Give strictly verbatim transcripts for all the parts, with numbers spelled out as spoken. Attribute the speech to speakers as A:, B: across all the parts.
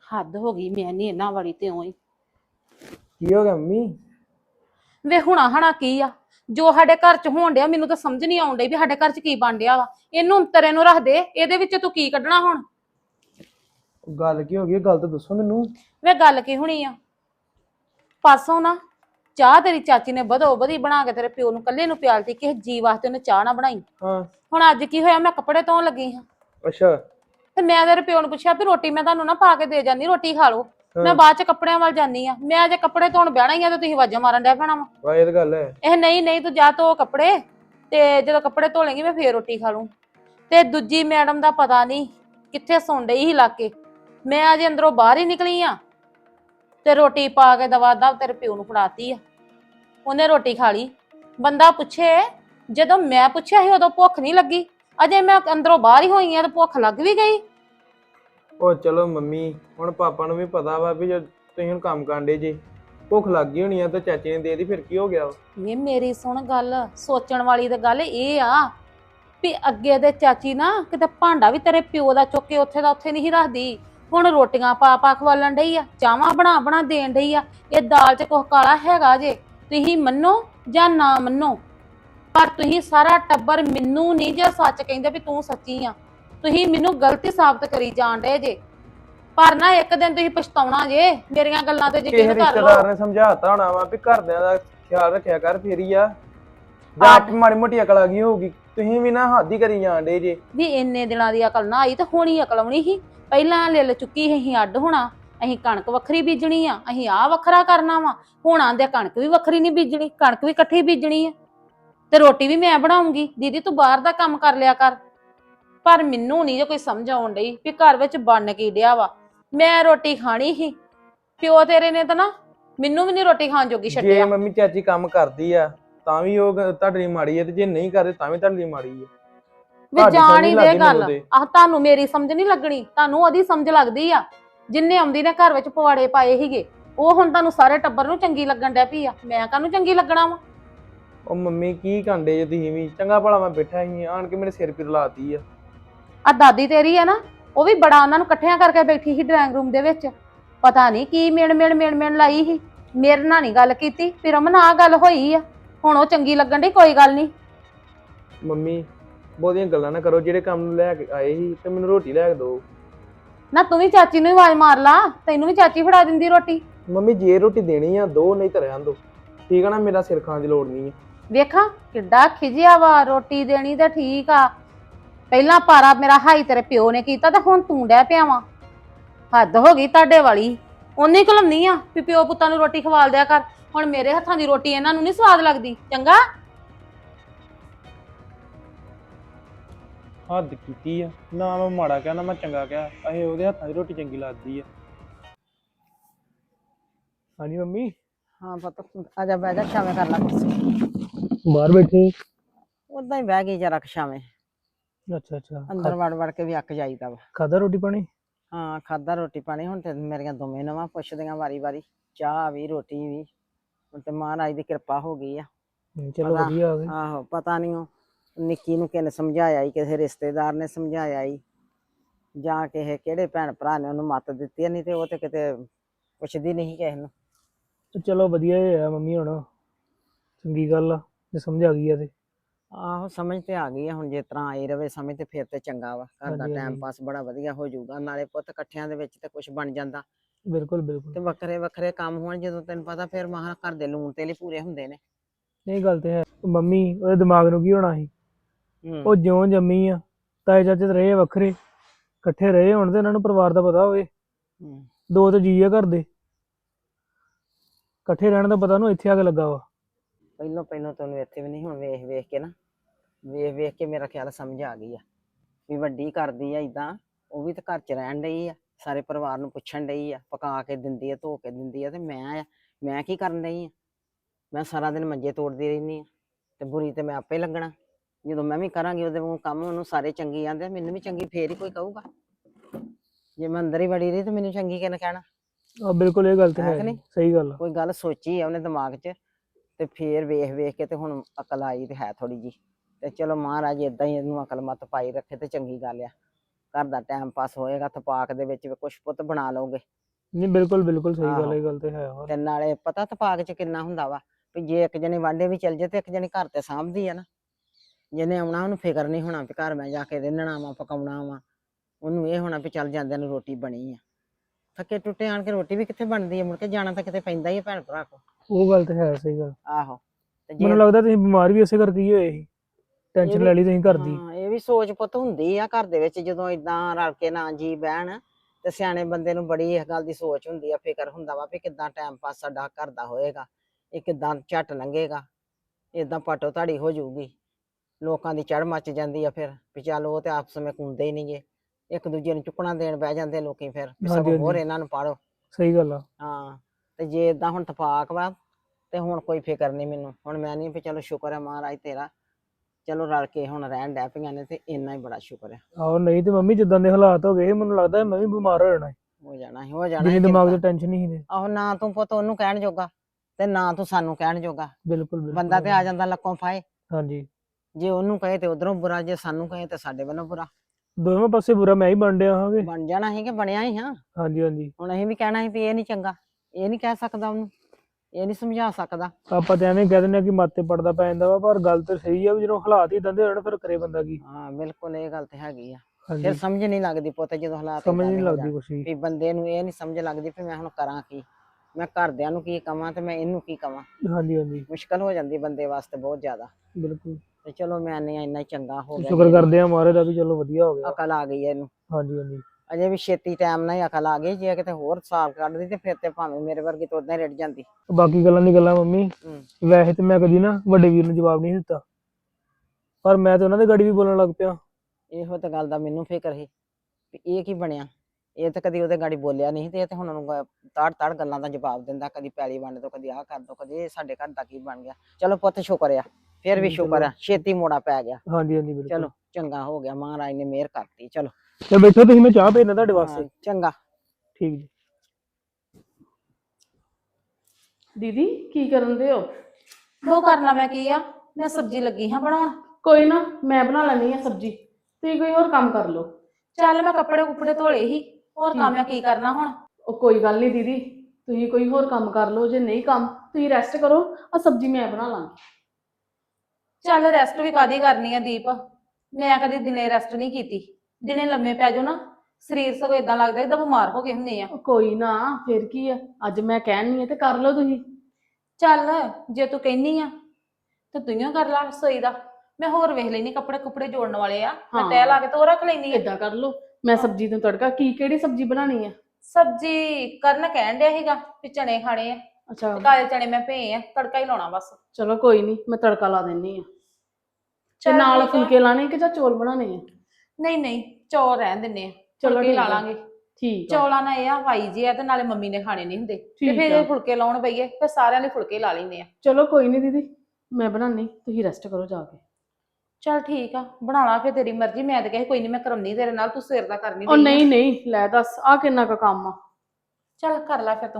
A: ਹੱਦ ਹੋ ਗਈ। ਮੈਂ ਨਹੀਂ ਇਹਨਾਂ ਵਾਲੀ ਤੇ ਉਹੀ
B: ਕੀ ਹੋ ਗਿਆ ਮੰਮੀ?
A: ਵੇ ਹੁਣਾ ਹਣਾ ਕੀ ਆ ਜੋ ਸਾਡੇ ਘਰ ਚ ਹੋਣ ਡਿਆ। ਮੈਨੂੰ ਤਾਂ ਸਮਝ ਨਹੀਂ ਆਉਣ ਡਈ ਵੀ ਸਾਡੇ ਘਰ ਚ ਕੀ ਬਣ ਡਿਆ ਵਾ। ਇਹਨੂੰ ਅੰਤਰੇ ਨੂੰ ਰੱਖ ਦੇ, ਇਹਦੇ ਵਿੱਚ ਤੂੰ ਕੀ ਕੱਢਣਾ ਹੁਣ?
B: ਗੱਲ ਕੀ ਹੋ ਗਈ? ਗੱਲ ਤਾਂ ਦੱਸੋ ਮੈਨੂੰ।
A: ਵੇ ਗੱਲ ਕੀ ਹੋਣੀ ਆ? ਪਾਸੋਂ ਨਾ ਚਾਹ ਤੇਰੀ ਚਾਚੀ ਨੇ ਵਧੋ ਵਧੀ ਬਣਾ ਕੇ ਤੇਰੇ ਪਿਓ ਨੂੰ ਕੱਲੇ ਨੂੰ ਪਿਆਲਤੀ, ਕਿਸੇ ਜੀ ਵਾਸਤੇ ਉਹਨੇ ਚਾਹ ਨਾ ਬਣਾਈ।
B: ਹਾਂ।
A: ਹੁਣ ਅੱਜ ਕੀ ਹੋਇਆ? ਮੈਂ ਕੱਪੜੇ ਧੋਣ ਲੱਗੀ ਹਾਂ
B: ਅੱਛਾ।
A: ਤੇ ਮੈਂ ਤੇਰੇ ਪਿਓ ਨੂੰ ਪੁੱਛਿਆ ਵੀ ਰੋਟੀ ਮੈਂ ਤੁਹਾਨੂੰ ਨਾ ਪਾ ਕੇ ਦੇ ਜਾਂਦੀ, ਰੋਟੀ ਖਾ ਲਓ।
B: ਹਾਂ।
A: ਮੈਂ ਬਾਅਦ ਚ ਕੱਪੜਿਆਂ ਵੱਲ ਜਾਨੀ ਆ। ਮੈਂ ਜੇ ਕੱਪੜੇ ਧੋਣ ਬਹਿਣਾ ਹੀ ਆ ਤੇ ਤੁਸੀਂ ਆਵਾਜ਼ਾਂ ਮਾਰਨ ਡਿਆ ਪੈਣਾ ਵਾ।
B: ਵਾਹ, ਇਹ ਤਾਂ ਗੱਲ ਹੈ।
A: ਇਹ ਨਹੀਂ ਨਹੀਂ ਤੂੰ ਜਾ ਧੋ ਕੱਪੜੇ, ਤੇ ਜਦੋਂ ਕੱਪੜੇ ਧੋ ਲੇਂਗੀ ਮੈਂ ਫੇਰ ਰੋਟੀ ਖਾ ਲੂੰ। ਤੇ ਦੂਜੀ ਮੈਡਮ ਦਾ ਪਤਾ ਨਹੀਂ ਕਿੱਥੇ ਸੌਂ ਡਈ ਸੀ ਲਾ ਕੇ। ਮੈਂ ਅਜੇ ਅੰਦਰੋਂ ਬਾਹਰ ਹੀ ਨਿਕਲੀ ਆ ਤੇ ਰੋਟੀ ਪਾ ਕੇ ਦਵਾ ਦਵ ਤੇਰੇ ਪਿਓ ਨੂੰ ਫੜਾਤੀ ਆ। ਉਹਨੇ ਰੋਟੀ ਖਾ ਲਈ। ਬੰਦਾ ਪੁੱਛੇ, ਜਦੋਂ ਮੈਂ ਪੁੱਛਿਆ ਸੀ ਉਦੋਂ ਭੁੱਖ ਨਹੀਂ ਲੱਗੀ, ਅਜੇ ਮੈਂ ਅੰਦਰੋਂ ਬਾਹਰ ਹੀ ਹੋਈ ਆ ਤੇ ਭੁੱਖ ਲੱਗ ਵੀ ਗਈ।
B: ਉਹ ਚਲੋ ਮੰਮੀ, ਹੁਣ ਪਾਪਾ ਨੂੰ ਵੀ ਪਤਾ ਵਾ ਵੀ ਜੇ ਤੁਸੀਂ ਹੁਣ ਕੰਮ ਕਾਂਡੇ ਜੇ ਭੁੱਖ ਲੱਗ ਗਈ ਹੋਣੀ ਆ ਤਾਂ ਚਾਚੇ ਨੇ ਦੇ ਦੀ, ਫਿਰ ਕੀ ਹੋ ਗਿਆ?
A: ਵੇ ਮੇਰੀ ਸੁਣ ਗੱਲ, ਸੋਚਣ ਵਾਲੀ ਤੇ ਗੱਲ ਇਹ ਆ ਵੀ ਅੱਗੇ ਦੇ ਚਾਚੀ ਨਾ ਕਿਤੇ ਭਾਂਡਾ ਵੀ ਤੇਰੇ ਪਿਓ ਦਾ ਚੁੱਕ ਕੇ ਉੱਥੇ ਦਾ ਉੱਥੇ ਨਹੀਂ ਰੱਖਦੀ। ਹੁਣ ਰੋਟੀਆਂ ਪਾ ਪਾ ਖਵਾਲਣ ਡਈ ਆ, ਚਾਵਾਂ ਬਣਾ ਬਣਾ ਦੇਣ ਡਈ ਆ। ਇਹ ਦਾਲ 'ਚ ਕੁਛ ਕਾਲਾ ਹੈਗਾ ਜੇ, ਤੁਸੀਂ ਮੰਨੋ ਜਾਂ ਨਾ ਮੰਨੋ, ਪਰ ਤੁਸੀਂ ਸਾਰਾ ਟੱਬਰ ਮੈਨੂੰ ਨਹੀਂ ਜੇ ਸੱਚ ਕਹਿੰਦੇ ਵੀ ਤੂੰ ਸੱਚੀ ਆ, ਤੁਸੀਂ ਮੈਨੂੰ ਗਲਤੀ ਸਾਬਤ ਕਰੀ ਜਾਣ ਡਏ ਜੇ। ਪਰ ਨਾ ਇੱਕ ਦਿਨ ਤੁਸੀਂ ਪਛਤਾਉਣਾ ਜੇ। ਮੇਰੀਆਂ ਗੱਲਾਂ ਤੇ
B: ਕਿਸੇ
A: ਯਕੀਨ ਕਰ
B: ਰਿਸ਼ਤੇਦਾਰ
A: ਲਓ।
B: ਨੇ ਸਮਝਾਤਾ ਹੋਣਾ ਵਾ ਵੀ ਘਰਦਿਆਂ ਦਾ ਖਿਆਲ ਰੱਖਿਆ ਕਰ, ਫੇਰ ਹੀ ਆ। ਜਾਂ ਆਪ ਮਾੜੀ ਮੋਟੀ ਅਕਲ ਆ ਗਈ ਹੋਊਗੀ, ਤੁਸੀਂ ਵੀ ਨਾ ਹੱਦ ਹੀ ਕਰੀ ਜਾਣ ਡੇ ਜੇ।
A: ਵੀ ਇੰਨੇ ਦਿਨਾਂ ਦੀ ਅਕਲ ਨਾ ਆਈ ਤਾਂ ਹੁਣੀ ਅਕਲ ਆਉਣੀ ਸੀ। ਪਹਿਲਾਂ ਲਿਲ ਚੁੱਕੀ ਅਸੀਂ ਅੱਡ ਹੋਣਾ, ਅਸੀਂ ਕਣਕ ਵੱਖਰੀ ਬੀਜਣੀ ਆ, ਅਸੀਂ ਆਹ ਵੱਖਰਾ ਕਰਨਾ ਵਾ। ਹੁਣ ਆਂਦੇ ਕਣਕ ਵੀ ਵੱਖਰੀ ਨਹੀਂ ਬੀਜਣੀ, ਕਣਕ ਵੀ ਇਕੱਠੀ ਬੀਜਣੀ ਆ ਤੇ ਰੋਟੀ ਵੀ ਮੈਂ ਬਣਾਉਂਗੀ। ਦੀਦੀ ਤੂੰ ਬਾਹਰ ਦਾ ਕੰਮ ਕਰ ਲਿਆ ਕਰ। ਪਰ ਮੈਨੂੰ ਨਹੀਂ ਜੇ ਕੋਈ ਸਮਝ ਆਉਣ ਡਈ ਵੀ ਘਰ ਵਿੱਚ ਬਣ ਕੀ ਡਿਆ ਵਾ। ਮੈਂ ਰੋਟੀ ਖਾਣੀ ਸੀ, ਪਿਓ ਤੇਰੇ ਨੇ ਤਾਂ ਨਾ ਮੈਨੂੰ ਵੀ ਨਹੀਂ ਰੋਟੀ ਖਾਣ ਜੋਗੀ
B: ਜੇ
A: ਛੱਡਿਆ।
B: ਮੰਮੀ ਚਾਚੀ ਕੰਮ ਕਰਦੀ ਆ ਤਾਂ ਵੀ ਉਹ ਤੁਹਾਡੇ ਲਈ ਮਾੜੀ ਹੈ, ਤੇ ਜੇ ਨਹੀਂ ਕਰਦੇ ਤਾਂ ਵੀ ਤੁਹਾਡੇ ਲਈ ਮਾੜੀ ਹੈ।
A: ਵੇ
B: ਤੁਹਾਡੀ ਸਮਝ
A: ਜਾਣ
B: ਨੀ
A: ਹੀ ਦੇ
B: ਲੱਗਦੀ
A: ਗੱਲ।
B: ਮੈਨੂੰ ਤੇ।
A: ਆਹ ਤੁਹਾਨੂੰ ਮੇਰੀ ਸਮਝ ਨਹੀਂ ਲੱਗਣੀ, ਤੁਹਾਨੂੰ ਉਹਦੀ ਸਮਝ ਲੱਗਦੀ ਆ ਜਿੰਨੇ ਆਉਂਦੀ ਨੇ ਘਰ ਵਿੱਚ ਪਵਾੜੇ ਪਾਏ ਸੀਗੇ। ਉਹ ਹੁਣ ਤੁਹਾਨੂੰ ਸਾਰੇ ਟੱਬਰ ਨੂੰ ਚੰਗੀ ਲੱਗਣ ਡੈ ਪਈ ਆ, ਮੈਂ ਕਾਹਨੂੰ ਚੰਗੀ ਲੱਗਣਾ ਵਾ?
B: ਉਹ ਮੰਮੀ ਕੀ ਕਾਂਡੇ ਜੇ ਤੁਸੀਂ ਵੀ? ਚੰਗਾ ਭਲਾ ਮੈਂ ਬੈਠਾ ਸੀ, ਆਣ ਕੇ ਮੇਰੇ ਸਿਰ ਪੀੜ ਲਾਤੀ ਆ।
A: ਆ ਦਾਦੀ ਤੇਰੀ ਆ ਨਾ, ਉਹ ਵੀ ਬੜਾ ਉਹਨਾਂ ਨੂੰ ਇਕੱਠਿਆਂ ਕਰਕੇ ਬੈਠੀ ਸੀ ਡਰਾਇੰਗ ਰੂਮ ਦੇ ਵਿੱਚ। ਪਤਾ ਨਹੀਂ ਕੀ ਮਿਣ ਮਿਣ ਮਿਣ ਮਿਣ ਲਾਈ ਸੀ। ਮੇਰੇ ਨਾਲ ਨਹੀਂ ਗੱਲ ਕੀਤੀ, ਫਿਰ ਰਮਨ ਆਹ ਗੱਲ ਹੋਈ ਆ, ਹੁਣ ਉਹ ਚੰਗੀ ਲੱਗਣ ਡਈ। ਕੋਈ ਗੱਲ ਨਹੀਂ
B: ਮੰਮੀ ਬਹੁਤੀਆਂ ਗੱਲਾਂ ਨਾ ਕਰੋ, ਜਿਹੜੇ ਕੰਮ ਨੂੰ ਲੈ ਕੇ ਆਏ ਸੀ ਤੇ ਮੈਨੂੰ ਰੋਟੀ ਲੈ ਕੇ ਦਿਓ।
A: ਨਾ ਤੂੰ ਵੀ ਚਾਚੀ ਨੂੰ ਹੀ ਆਵਾਜ਼ ਮਾਰ ਲਾ, ਤੈਨੂੰ ਵੀ ਚਾਚੀ ਫੜਾ ਦਿੰਦੀ ਰੋਟੀ।
B: ਮੰਮੀ ਜੇ ਰੋਟੀ ਦੇਣੀ ਆ ਦੋ, ਨਹੀਂ ਤਾਂ ਰਹਿਣ ਦੋ, ਠੀਕ ਆ ਨਾ? ਮੇਰਾ ਸਿਰ ਖਾਣ ਦੀ ਲੋੜ ਨਹੀਂ ਹੈ।
A: ਵੇਖਾਂ ਕਿੱਡਾ ਖਿਜਿਆ ਵਾ। ਰੋਟੀ ਦੇਣੀ ਤਾਂ ਠੀਕ ਆ, ਪਹਿਲਾਂ ਪਾਰਾ ਮੇਰਾ ਹਾਈ ਤੇਰੇ ਪਿਓ ਨੇ ਕੀਤਾ ਤੇ ਹੁਣ ਤੂੰ ਡੈ ਪਿਆ ਵਾ। ਹੱਦ ਹੋ ਗਈ ਤੁਹਾਡੇ ਵਾਲੀ। ਉਹਨੇ ਘਲਮਨੀ ਆ ਵੀ ਪਿਓ ਪੁੱਤਾਂ ਨੂੰ ਰੋਟੀ ਖਵਾਲ ਦਿਆ ਕਰ। ਹੁਣ ਮੇਰੇ ਹੱਥਾਂ ਦੀ ਰੋਟੀ ਇਹਨਾਂ ਨੂੰ ਨਹੀਂ ਸਵਾਦ ਲੱਗਦੀ। ਚੰਗਾ
B: ਹੱਦ ਕੀਤੀ ਆ ਨਾ। ਮੈਂ ਮਾੜਾ ਕਿਹਾ ਨਾ ਮੈਂ ਚੰਗਾ ਕਿਹਾ, ਇਹ ਉਹਦੇ ਹੱਥਾਂ ਦੀ ਰੋਟੀ ਚੰਗੀ ਲੱਗਦੀ ਆ। ਹਾਂਜੀ ਮੰਮੀ।
C: ਹਾਂ ਪੁੱਤ ਆ ਜਾ, ਬਹਿ ਜਾ, ਛਾਵੇਂ ਕਰ ਲਾ ਕੁਰਸੀ।
B: ਬਾਹਰ ਬੈਠੇ?
C: ਉਦਾਂ ਹੀ ਬਹਿ ਗਈ ਜਰਾ ਛਾਵੇਂ।
B: ਅੱਛਾ ਅੱਛਾ।
C: ਅੰਦਰ ਵੜ ਵੜ ਕੇ ਵੀ ਅੱਕ ਜਾਈਦਾ ਵਾ।
B: ਖਾਦਾ ਰੋਟੀ ਪਾਣੀ?
C: ਹਾਂ ਖਾਦਾ ਰੋਟੀ ਪਾਣੀ। ਹੁਣ ਤੇ ਮੇਰੀਆਂ ਦੋਵੇਂ ਨਵਾਂ ਪੁੱਛਦੀਆਂ ਵਾਰੀ ਵਾਰੀ, ਚਾਹ ਵੀ ਰੋਟੀ ਵੀ। ਹੁਣ ਤੇ ਮਹਾਰਾਜ ਦੀ ਕਿਰਪਾ ਹੋ ਗਈ ਆ।
B: ਚਲੋ ਵਧੀਆ ਹੋ ਗਈ।
C: ਆਹੋ ਪਤਾ ਨਹੀਂ ਉਹ ਨਿੱਕੀ ਨੂੰ ਕਿਹਨੇ ਸਮਝਾਇਆ ਈ, ਕਿਸੇ ਰਿਸ਼ਤੇਦਾਰ ਨੇ ਸਮਝਾਇਆ ਈ, ਜਾਂ ਕਿਸੇ ਕਿਹੜੇ ਭੈਣ ਭਰਾ ਨੇ ਉਹਨੂੰ ਮੱਤ ਦਿੱਤੀ। ਨਹੀਂ ਤੇ ਉਹ ਤੇ ਕਿਤੇ ਪੁੱਛਦੀ ਨਹੀਂ ਕਿਸੇ ਨੂੰ।
B: ਚਲੋ ਵਧੀਆ ਹੋਇਆ ਮੰਮੀ, ਹੁਣ ਚੰਗੀ ਗੱਲ ਆ ਜੇ ਸਮਝ ਆ ਗਈ ਆ ਤੇ।
C: ਆਹੋ ਸਮਝ ਤੇ ਆ ਗਈ ਆ। ਹੁਣ ਜੇ ਤਰ੍ਹਾਂ ਆਈ ਰਵੇ ਸਮਝ ਤੇ ਫਿਰ ਤੇ ਚੰਗਾ ਵਾ। ਘਰ ਦਾ
B: ਹਾਂਜੀ,
C: ਟਾਈਮ
B: ਹਾਂਜੀ।
C: ਪਾਸ ਬੜਾ ਵਧੀਆ ਹੋ ਜਾਊਗਾ। ਨਾਲੇ ਪੁੱਤ ਇਕੱਠਿਆਂ ਦੇ ਵਿੱਚ ਤੇ ਕੁਛ ਬਣ ਜਾਂਦਾ।
B: ਬਿਲਕੁਲ
C: ਤੇ
B: ਬਿਲਕੁਲ।
C: ਵੱਖਰੇ ਵੱਖਰੇ ਕੰਮ ਹੋਣ ਜਦੋਂ, ਤੈਨੂੰ ਪਤਾ ਫਿਰ ਮਹਾਂ ਘਰ ਦੇ ਲੂਣ ਤੇਲ ਹੀ ਪੂਰੇ ਹੁੰਦੇ ਨੇ।
B: ਇਹ ਗੱਲ ਤੇ ਹੈ। ਮੰਮੀ ਉਹਦੇ ਦਿਮਾਗ ਨੂੰ ਕੀ ਹੋਣਾ ਸੀ? ਉਹ
C: ਹੂੰ
B: ਜਿਉਂ ਜੰਮੀ ਆ, ਤਾਏ ਚਾਚੇ ਤੇ ਰਹੇ ਵੱਖਰੇ, ਇਕੱਠੇ ਰਹੇ ਹੋਣ ਤੇ ਇਹਨਾਂ ਨੂੰ ਪਰਿਵਾਰ ਦਾ ਪਤਾ ਹੋਵੇ।
C: ਹੂੰ
B: ਦੋ ਤੇ ਜੀ ਆ ਘਰ ਦੇ, ਇਕੱਠੇ ਰਹਿਣ ਦਾ ਪਤਾ ਉਹਨੂੰ ਇੱਥੇ ਆ ਕੇ ਲੱਗਾ ਵਾ।
C: ਪਹਿਲੋਂ ਪਹਿਲੋਂ ਤੈਨੂੰ ਇੱਥੇ ਵੀ ਨਹੀਂ, ਹੁਣ ਵੇਖ ਵੇਖ ਕੇ ਨਾ, ਵੇਖ ਵੇਖ ਕੇ ਮੇਰਾ ਖਿਆਲ ਸਮਝ ਆ ਗਈ ਆ ਵੀ ਵੱਡੀ ਕਰਦੀ ਆ ਇਦਾਂ। ਉਹ ਵੀ ਤਾਂ ਘਰ 'ਚ ਰਹਿਣ ਡਈ ਆ, ਸਾਰੇ ਪਰਿਵਾਰ ਨੂੰ ਪੁੱਛਣ ਡਈ ਆ, ਪਕਾ ਕੇ ਦਿੰਦੀ ਆ, ਧੋ ਕੇ ਦਿੰਦੀ ਆ। ਤੇ ਮੈਂ ਆ ਮੈਂ ਕੀ ਕਰਨ ਡਈ ਆ? ਮੈਂ ਸਾਰਾ ਦਿਨ ਮੰਜੇ ਤੋੜਦੀ ਰਹਿੰਦੀ ਆ ਤੇ ਬੁਰੀ ਤੇ ਮੈਂ ਆਪੇ ਲੱਗਣਾ। ਜਦੋਂ ਮੈਂ ਵੀ ਕਰਾਂਗੀ ਉਹਦੇ ਵਾਂਗੂ ਕੰਮ, ਉਹਨੂੰ ਸਾਰੇ ਚੰਗੀ ਆਂਦੇ, ਮੈਨੂੰ ਵੀ ਚੰਗੀ ਫੇਰ ਹੀ ਕੋਈ ਕਹੂਗਾ। ਜੇ ਮੈਂ ਅੰਦਰ ਹੀ ਵੜੀ ਰਹੀ ਤੇ ਮੈਨੂੰ ਚੰਗੀ ਕਿਹਨੇ ਕਹਿਣਾ?
B: ਆ ਬਿਲਕੁਲ ਇਹ ਗੱਲ ਤੇ
C: ਹੈ
B: ਹੈ
C: ਕਿ
B: ਜੀ,
C: ਨਹੀਂ?
B: ਸਹੀ ਗੱਲ ਆ।
C: ਕੋਈ ਗੱਲ ਸੋਚੀ ਆ ਉਹਨੇ ਦਿਮਾਗ 'ਚ ਤੇ ਫੇਰ ਵੇਖ ਵੇਖ ਕੇ ਤੇ ਹੁਣ ਅਕਲ ਆਈ ਤੇ ਹੈ ਥੋੜੀ ਜੀ। ਤੇ ਚਲੋ ਮਹਾਰਾਜ ਏਦਾਂ ਹੀ ਇਹਨੂੰ ਅਕਲ ਮੱਤ ਪਾਈ ਰੱਖੇ ਤੇ ਚੰਗੀ ਗੱਲ ਆ। ਘਰ ਦਾ ਟਾਈਮ ਪਾਸ ਹੋਏਗਾ, ਥਪਾਕ ਦੇ ਵਿੱਚ ਵੀ ਕੁਛ ਪੁੱਤ ਬਣਾ ਲਓਗੇ।
D: ਨਹੀਂ ਬਿਲਕੁਲ ਬਿਲਕੁਲ ਸਹੀ ਗੱਲ
C: ਆਹੋ।
D: ਹੈ, ਇਹ ਗੱਲ ਤੇ ਹੈ ਹੋਰ।
C: ਤੇ ਨਾਲੇ ਪਤਾ ਥਪਾਕ ਚ ਕਿੰਨਾ ਹੁੰਦਾ ਵਾ ਵੀ ਜੇ ਇੱਕ ਜਣੇ ਵਾਂਡੇ ਵੀ ਚੱਲ ਜੇ ਤੇ ਇੱਕ ਜਣੇ ਘਰ ਤੇ ਸਾਂਭਦੀ ਆ ਨਾ। ਜਿਹਨੇ ਆਉਣਾ ਉਹਨੂੰ ਫਿਕਰ ਨਹੀਂ ਹੋਣਾ ਵੀ ਘਰ ਮੈਂ ਜਾ ਕੇ ਰਿੰਨਣਾ ਵਾ, ਪਕਾਉਣਾ ਵਾ। ਉਹਨੂੰ ਇਹ ਹੋਣਾ ਵੀ ਚੱਲ ਜਾਂਦਿਆਂ ਨੂੰ ਰੋਟੀ ਬਣੀ ਆ। ਥੱਕੇ ਟੁੱਟੇ ਆਣ ਕੇ ਰੋਟੀ ਵੀ ਕਿੱਥੇ ਬਣਦੀ ਆ, ਮੁੜ ਕੇ ਜਾਣਾ ਤਾਂ ਕਿਤੇ ਪੈਂਦਾ ਹੀ ਆ ਭੈਣ ਭਰਾ ਕੋਲ।
D: ਉਹ ਗੱਲ ਤੇ ਹੈ, ਸਹੀ ਗੱਲ।
C: ਆਹੋ ਤੇ ਜੇ
D: ਮੈਨੂੰ ਲੱਗਦਾ ਤੁਸੀਂ ਬਿਮਾਰ ਵੀ ਇਸੇ ਕਰਕੇ ਹੀ ਹੋਏ ਸੀ, ਟੈਨਸ਼ਨ
C: ਵੀ-
D: ਲੈ ਲਈ ਤੁਸੀਂ ਘਰ ਦੀ।
C: ਹਾਂ, ਇਹ ਵੀ ਸੋਚ ਪੁੱਤ ਹੁੰਦੀ ਆ ਘਰ ਦੇ ਵਿੱਚ, ਜਦੋਂ ਏਦਾਂ ਰਲ ਕੇ ਨਾ ਜੀ ਬਹਿਣ ਤੇ ਸਿਆਣੇ ਬੰਦੇ ਨੂੰ ਬੜੀ ਇਸ ਗੱਲ ਦੀ ਸੋਚ ਹੁੰਦੀ ਆ, ਫਿਕਰ ਹੁੰਦਾ ਵਾ ਵੀ ਕਿੱਦਾਂ ਟਾਈਮ ਪਾਸ ਸਾਡਾ ਘਰ ਦਾ ਹੋਏਗਾ, ਇਹ ਕਿੱਦਾਂ ਝੱਟ ਲੰਘੇਗਾ, ਏਦਾਂ ਪਾਟੋ ਧਾੜੀ ਹੋ ਜਾਊਗੀ। ਲੋਕਾਂ ਦੀ ਚੜ੍ਹ ਮੱਚ ਜਾਂਦੀ ਆ ਫਿਰ ਵੀ ਚੱਲ ਉਹ ਤੇ ਆਪਸ ਵਿੱਚ ਕੁੰਦੇ ਹੀ ਨਹੀਂਗੇ, ਇੱਕ ਦੂਜੇ ਨੂੰ ਚੁੱਕਣਾ ਦੇਣ ਬਹਿ ਜਾਂਦੇ ਲੋਕੀ, ਫਿਰ ਵੀ
D: ਹਾਂਜੀ,
C: ਸਗੋਂ ਹੋਰ
D: ਹਾਂਜੀ।
C: ਇਹਨਾਂ ਨੂੰ ਪਾੜੋ।
D: ਸਹੀ ਗੱਲ ਆ।
C: ਹਾਂ ਤੇ ਜੇ ਏਦਾਂ ਹੁਣ ਤਫਾਕ ਵਾ ਤੇ ਹੁਣ ਕੋਈ ਫਿਕਰ ਨਹੀਂ ਮੈਨੂੰ, ਹੁਣ ਮੈਂ ਨਹੀਂ ਵੀ ਚਲੋ ਸ਼ੁਕਰ ਹੈ ਮਹਾਰਾਜ ਤੇਰਾ, ਚਲੋ ਰਲ ਕੇ ਹੁਣ ਰਹਿਣ ਡੈ ਪਈਆਂ ਨੇ ਤੇ ਇੰਨਾ ਹੀ ਬੜਾ ਸ਼ੁਕਰ ਹੈ।
D: ਆਹੋ ਨਹੀਂ ਤੇ ਮੰਮੀ ਜਿੱਦਾਂ ਦੇ ਹਾਲਾਤ ਹੋ ਗਏ ਮੈਨੂੰ ਲੱਗਦਾ ਮੈਂ ਵੀ ਬਿਮਾਰ ਹੋ ਜਾਣਾ ਸੀ।
C: ਹੋ ਜਾਣਾ ਸੀ, ਹੋ ਜਾਣਾ
D: ਜਿੰਨੀ
C: ਸੀ
D: ਦਿਮਾਗ
C: ਚਿੰਤਾ।
D: ਤੇ ਟੈਨਸ਼ਨ ਨਹੀਂ ਸੀ।
C: ਆਹੋ ਨਾ ਤੂੰ ਪੁੱਤ ਉਹਨੂੰ ਕਹਿਣ ਜੋਗਾ ਤੇ ਨਾ ਤੂੰ ਸਾਨੂੰ ਕਹਿਣ ਜੋਗਾ।
D: ਬਿਲਕੁਲ ਬਿਲਕੁਲ
C: ਬੰਦਾ ਤੇ ਆ ਜਾਂਦਾ ਲੱਕੋਂ ਫਾਏ,
D: ਹਾਂਜੀ।
C: ਜੇ ਉਹਨੂੰ ਕਹੇ ਤੇ ਉਧਰੋਂ ਬੁਰਾ, ਜੇ ਸਾਨੂੰ ਕਹੇ ਤੇ ਸਾਡੇ ਵੱਲੋਂ ਬੁਰਾ।
D: ਦੋਵੇਂ ਪਾਸੇ ਬੁਰਾ ਮੈਂ ਹੀ ਬਣ ਡਿਆ ਹਾਂਗੇ।
C: ਬਣ ਜਾਣਾ ਸੀ ਕਿ ਬਣਿਆ ਹੀ ਹਾਂ।
D: ਹਾਂਜੀ ਹਾਂਜੀ।
C: ਹੁਣ ਅਸੀਂ ਵੀ ਕਹਿਣਾ ਸੀ ਵੀ ਇਹ ਨਹੀਂ ਚੰਗਾ, ਇਹ ਨਹੀਂ ਕਹਿ ਸਕਦਾ ਉਹਨੂੰ, ਇਹ ਨਹੀਂ ਸਮਝਾ ਸਕਦਾ।
D: ਆਪਾਂ ਤਾਂ ਐਵੇਂ ਕਹਿ ਦਿੰਦੇ ਆ ਕਿ ਮਾਤੇ ਪੜਦਾ ਪੈ ਜਾਂਦਾ ਵਾ, ਪਰ ਗੱਲ ਤਾਂ ਸਹੀ ਆ ਵੀ ਜਦੋਂ ਹਾਲਾਤ ਹੀ ਇਦਾਂ ਦੇ ਹੋਣ ਫਿਰ ਕਰੇ ਬੰਦਾ ਕੀ।
C: ਹਾਂ ਬਿਲਕੁਲ ਇਹ ਗੱਲ ਤੇ ਹੈਗੀ ਆ।
D: ਹਾਂਜੀ
C: ਫਿਰ ਸਮਝ ਨਹੀਂ ਲੱਗਦੀ ਪੁੱਤ ਜਦੋਂ ਹਾਲਾਤ
D: ਸਮਝ
C: ਏਦਾਂ
D: ਨਹੀਂ
C: ਦੇ ਹੋ
D: ਲੱਗਦੀ
C: ਜਾਣ,
D: ਕੁਛ ਵੀ।
C: ਵੀ ਬੰਦੇ ਨੂੰ ਇਹ ਨਹੀਂ ਸਮਝ ਲੱਗਦੀ ਵੀ ਮੈਂ ਹੁਣ ਕਰਾਂ ਕੀ, ਮੈਂ ਘਰਦਿਆਂ ਨੂੰ ਕੀ ਕਵਾਂ ਤੇ ਮੈਂ ਇਹਨੂੰ ਕੀ ਕਵਾਂ।
D: ਹਾਂਜੀ ਹਾਂਜੀ
C: ਮੁਸ਼ਕਲ ਹੋ ਜਾਂਦੀ ਬੰਦੇ ਵਾਸਤੇ ਬਹੁਤ ਜ਼ਿਆਦਾ।
D: ਬਿਲਕੁਲ।
C: ਤੇ ਚਲੋ ਮੈਂ ਨਹੀਂ ਇੰਨਾ ਹੀ ਚੰਗਾ ਹੋ ਗਿਆ,
D: ਸ਼ੁਕਰ ਕਰਦੇ ਆ ਮਹਾਰਾਜ ਦਾ ਵੀ ਚਲੋ ਵਧੀਆ ਹੋ ਗਿਆ।
C: ਅਕਲ ਆ ਗਈ ਹੈ ਇਹਨੂੰ।
D: ਹਾਂਜੀ ਹਾਂਜੀ।
C: ਅਜੇ ਵੀ ਛੇਤੀ ਟਾਈਮ ਨਾਲ ਹੀ ਅਕਲ ਆ ਗਈ, ਜੇ ਕਿਤੇ ਹੋਰ ਸਾਲ ਕੱਢਦੀ ਤੇ ਫਿਰ ਤੇ ਭਾਵੇਂ ਮੇਰੇ ਵਰਗੀ ਤੋਂ ਉਦਾਂ ਹੀ ਰਿੜ ਜਾਂਦੀ।
D: ਬਾਕੀ ਗੱਲਾਂ ਦੀ ਗੱਲਾਂ ਮੰਮੀ,
C: ਹੂੰ।
D: ਵੈਸੇ ਤੇ ਮੈਂ ਕਦੀ ਨਾ ਵੱਡੇ ਵੀਰ ਨੂੰ ਜਵਾਬ ਨਹੀਂ ਦਿੱਤਾ, ਪਰ ਮੈਂ ਤੇ ਉਹਨਾਂ ਦੇ ਗਾੜੀ ਵੀ ਬੋਲਣ ਲੱਗ ਪਿਆ।
C: ਇਹੋ ਤੇ ਗੱਲ ਦਾ ਮੈਨੂੰ ਫਿਕਰ ਸੀ ਵੀ ਇਹ ਕੀ ਬਣਿਆ, ਇਹ ਤਾਂ ਕਦੀ ਉਹਦੇ ਗਾੜੀ ਬੋਲਿਆ ਨਹੀਂ ਤੇ ਇਹ ਤੇ ਹੁਣ ਉਹਨੂੰ ਤੜ ਤੜ ਗੱਲਾਂ ਦਾ ਜਵਾਬ ਦਿੰਦਾ, ਕਦੀ ਪੈਲੀ ਵੰਡ ਦੋ, ਕਦੀ ਆਹ ਕਰ ਦੋ, ਕਦੀ ਇਹ ਸਾਡੇ ਘਰ ਦਾ ਕੀ ਬਣ ਗਿਆ। ਚਲੋ ਪੁੱਤ ਸ਼ੁਕਰ ਆ, ਫਿਰ ਵੀ
D: ਹੂੰ,
C: ਸ਼ੁਕਰ
D: ਚਲੋ।
C: ਆ, ਛੇਤੀ ਮੋੜਾ ਪੈ ਗਿਆ।
D: ਹਾਂਜੀ ਹਾਂਜੀ ਬਿਲਕੁਲ।
C: ਚਲੋ ਚੰਗਾ ਹੋ ਗਿਆ, ਮਹਾਰਾਜ ਨੇ ਮਿਹਰ ਕਰਤੀ। ਚਲੋ
D: ਤੇ ਬੈਠੋ ਤੁਸੀਂ, ਮੈਂ ਚਾਹ ਭੇਜਣਾ ਤੁਹਾਡੇ ਵਾਸਤੇ।
C: ਹਾਂ, ਚੰਗਾ।
D: ਠੀਕ ਜੀ।
E: ਦੀਦੀ ਕੀ ਕਰਨ ਦੇ ਹੋ?
A: ਉਹ ਕਰਨਾ ਮੈਂ ਕੀ ਆ, ਮੈਂ ਸਬਜ਼ੀ ਲੱਗੀ ਹਾਂ ਬਣਾਉਣ।
E: ਕੋਈ ਨਾ ਮੈਂ ਬਣਾ ਲੈਣੀ ਆ ਸਬਜ਼ੀ, ਤੁਸੀਂ ਕੋਈ ਹੋਰ ਕੰਮ ਕਰ ਲਓ।
A: ਚੱਲ ਮੈਂ ਕੱਪੜੇ ਕੁੱਪੜੇ ਧੋਲੇ ਹੀ, ਹੋਰ ਕੰਮ ਮੈਂ ਕੀ ਕਰਨਾ ਹੁਣ।
E: ਉਹ ਕੋਈ ਗੱਲ ਨਹੀਂ ਦੀਦੀ, ਤੁਸੀਂ ਕੋਈ ਹੋਰ ਕੰਮ ਕਰ ਲਓ, ਜੇ ਨਹੀਂ ਕੰਮ ਤੁਸੀਂ ਰੈਸਟ ਕਰੋ, ਆ ਸਬਜ਼ੀ ਮੈਂ ਬਣਾ ਲਾਂਗੀ।
A: ਚੱਲ ਰੈਸਟ ਵੀ ਕਾਦੀ ਕਰਨੀ ਆ ਦੀਪ, ਮੈਂ ਕਦੇ ਦਿਨੇ ਰੈਸਟ ਨਹੀਂ ਕੀਤੀ। ਦਿਨੇ ਲੰਮੇ ਪੈ ਜਾਓ ਨਾ, ਸਰੀਰ ਸਗੋਂ ਏਦਾਂ ਲੱਗਦਾ ਜਿੱਦਾਂ ਬਿਮਾਰ ਹੋ ਗਏ ਹੁੰਦੇ ਆ।
E: ਉਹ ਕੋਈ ਨਾ, ਫਿਰ ਕੀ ਆ, ਅੱਜ ਮੈਂ ਕਹਿਣੀ ਆ ਤੇ ਕਰ ਲਓ ਤੁਸੀਂ।
A: ਚੱਲ ਜੇ ਤੂੰ ਕਹਿਨੀ ਆ ਤੇ ਤੂੰ ਕਰ ਲਾ ਰਸੋਈ ਦਾ, ਮੈਂ ਹੋਰ ਵੇਖ ਲੈਣੀ, ਕੱਪੜੇ ਕੁੱਪੜੇ ਜੋੜਨ ਵਾਲੇ ਆ, ਮੈਂ ਤੈਅ ਲਾ ਕੇ ਤੇ ਉਹ ਰੱਖ ਲੈਣੀ ਆ।
E: ਏਦਾਂ ਕਰ ਲਓ, ਮੈਂ ਸਬਜ਼ੀ ਨੂੰ ਤੜਕਾ, ਕੀ ਕਿਹੜੀ ਸਬਜ਼ੀ ਬਣਾਣੀ ਆ?
A: ਸਬਜ਼ੀ ਕਰਨ ਕਹਿਣ ਡਿਆ ਸੀਗਾ ਵੀ ਚਣੇ ਖਾਣੇ ਆ,
E: ਅੱਛਾ
A: ਤੇ ਕਾਲੇ ਚਣੇ ਮੈਂ ਭੇ ਆ, ਤੜਕਾ ਹੀ ਲਾਉਣਾ ਬਸ।
E: ਚਲੋ ਕੋਈ ਨਹੀਂ, ਮੈਂ ਤੜਕਾ ਲਾ ਦਿੰਨੀ ਆ। ਤੇ
A: ਚੱਲ
E: ਨਾਲ
A: ਠੀਕ ਆ।
E: ਫੁਲਕੇ ਲਾਣੇ ਕਿ ਜਾਂ ਚੌਲ ਬਣਾਣੇ ਆ?
A: ਨਹੀਂ ਨਹੀਂ, ਚੌਲ ਰਹਿਣ ਦਿੰਨੇ ਆ,
E: ਚਲੋ
A: ਫੁਲਕੇ
E: ਠੀਕ
A: ਲਾ
E: ਆ।
A: ਲਾਂਗੇ।
E: ਠੀਕ ਆ,
A: ਚੌਲਾਂ ਨਾਲ ਇਹ ਆ ਵਾਈ ਜੀ ਆ, ਤੇ ਨਾਲੇ ਮੰਮੀ ਨੇ ਖਾਣੇ ਨਹੀਂ ਹੁੰਦੇ, ਤੇ
E: ਠੀਕ
A: ਫਿਰ
E: ਆ।
A: ਇਹ ਫੁਲਕੇ ਲਾਉਣ ਪਈਏ ਫਿਰ ਸਾਰਿਆਂ ਲਈ ਫੁਲਕੇ ਲਾ ਲੈਂਦੇ ਆ।
E: ਚਲੋ ਕੋਈ ਨਹੀਂ ਦੀਦੀ, ਮੈਂ ਬਣਾਉਣੀ, ਤੁਸੀਂ ਰੈਸਟ ਕਰੋ ਜਾ ਕੇ।
A: ਚੱਲ ਠੀਕ ਆ, ਬਣਾ ਲਾ ਫਿਰ, ਤੇਰੀ ਮਰਜ਼ੀ। ਮੈਂ ਤਾਂ ਕਹੇ ਕੋਈ ਨਹੀਂ, ਮੈਂ ਕਰਾਉਣੀ ਤੇਰੇ ਨਾਲ, ਤੂੰ ਸਵੇਰ ਦਾ ਕਰਨੀ
E: ਉਹ
A: ਰਹੀ ਆ।
E: ਨਹੀਂ ਨਹੀਂ, ਲੈ ਦੱਸ ਆ ਕਿੰਨਾ ਕੁ ਕੰਮ ਆ।
A: ਚੱਲ ਕਰ ਲੈ ਫਿਰ ਤੂੰ।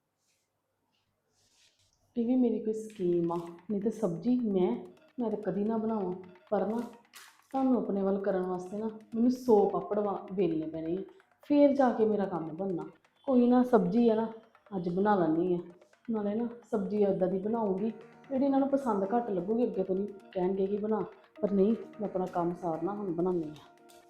E: ਇਹ ਵੀ ਮੇਰੀ ਕੋਈ ਸਕੀਮ ਆ, ਨਹੀਂ ਤੇ ਸਬਜ਼ੀ ਮੈਂ ਮੈਂ ਤਾਂ ਕਦੀ ਨਾ ਬਣਾਵਾਂ, ਪਰ ਨਾ ਤੁਹਾਨੂੰ ਆਪਣੇ ਵੱਲ ਕਰਨ ਵਾਸਤੇ ਨਾ ਮੈਨੂੰ ਸੌ ਪਾਪੜ ਵਾ ਵੇਲਣੇ ਪੈਣੇ ਆ, ਫੇਰ ਜਾ ਕੇ ਮੇਰਾ ਕੰਮ ਬਣਨਾ। ਕੋਈ ਨਾ, ਸਬਜ਼ੀ ਆ ਨਾ ਅੱਜ ਬਣਾ ਲੈਂਦੀ ਆ, ਨਾਲੇ ਨਾ ਸਬਜ਼ੀ ਇੱਦਾਂ ਦੀ ਬਣਾਉਂਗੀ ਜਿਹੜੀ ਇਹਨਾਂ ਨੂੰ ਪਸੰਦ ਘੱਟ ਲੱਗੂਗੀ, ਅੱਗੇ ਤੋਂ ਨਹੀਂ ਕਹਿਣਗੇ ਕਿ ਬਣਾ, ਪਰ ਨਹੀਂ, ਮੈਂ ਆਪਣਾ ਕੰਮ ਸਾਰਨਾ ਹੁਣ ਬਣਾਉਂਦੀ ਆ।